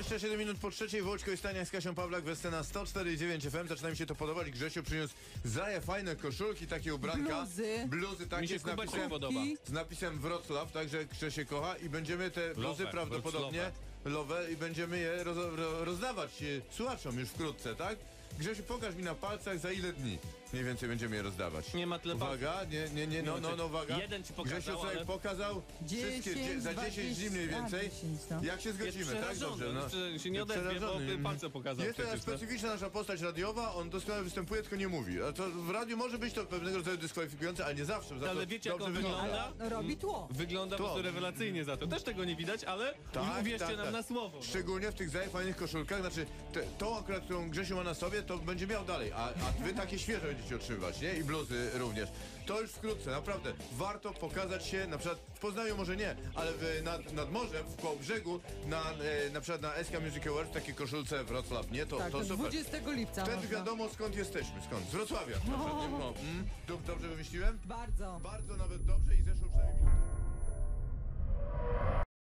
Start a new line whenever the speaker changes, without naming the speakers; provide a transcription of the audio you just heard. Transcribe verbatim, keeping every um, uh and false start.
dwadzieścia siedem minut po trzeciej, Włodźko i Stania z Kasią Pawlak, Wescena sto cztery i dziewięć F M. Zaczyna mi się to podobać. Grzesiu przyniósł zaje fajne koszulki, takie ubranka.
Bluzy.
Bluzy takie
Mi się
z napisem,
podoba.
z napisem Wrocław, także Grzesie kocha i będziemy te bluzy
Love,
prawdopodobnie lowe i będziemy je roz, ro, rozdawać e, słuchaczom już wkrótce, tak? Grzesiu, pokaż mi na palcach, za ile dni mniej więcej będziemy je rozdawać.
Nie ma tyle
Uwaga, nie, nie, nie, no, no, no, uwaga.
Jeden ci pokazał,
Grzesiu sobie
ale...
pokazał wszystkie, dzie, za dziesięć dni mniej więcej.
dziesięć, no.
Jak się zgodzimy, tak?
przerażony,
Dobrze, no.
jeszcze się nie odezwie, bo
Przerażony.
palce pokazał
Jest to
przecież, no.
specyficzna nasza postać radiowa, on doskonale występuje, tylko nie mówi. A to w radiu może być to pewnego rodzaju dyskwalifikujące, ale nie zawsze. Za
Ale
to
wiecie, jak
dobrze
on wygląda?
No, robi tło.
Wygląda po
To.
prostu rewelacyjnie za to. Też tego nie widać, ale
Tak,
uwierzcie
tak,
nam
tak.
na słowo. No.
Szczególnie w tych fajnych koszulkach, znaczy te, tą akurat, którą Grzesiu ma na sobie, to będzie miał dalej, a, a wy takie świeże będziecie otrzymywać, nie? I bluzy również. To już wkrótce, naprawdę. Warto pokazać się, na przykład w Poznaniu może nie, ale w, nad, nad morzem, w Kołobrzegu, na, e, na przykład na S K Music Awards, takie koszulce Wrocław, nie? To,
Tak,
to
to
super.
dwudziestego lipca
Wtedy
można.
wiadomo, skąd jesteśmy, skąd? Z Wrocławia. No. No. Mm. Dob- Dobrze wymyśliłem?
Bardzo.
Bardzo nawet dobrze i zeszło przynajmniej minutę.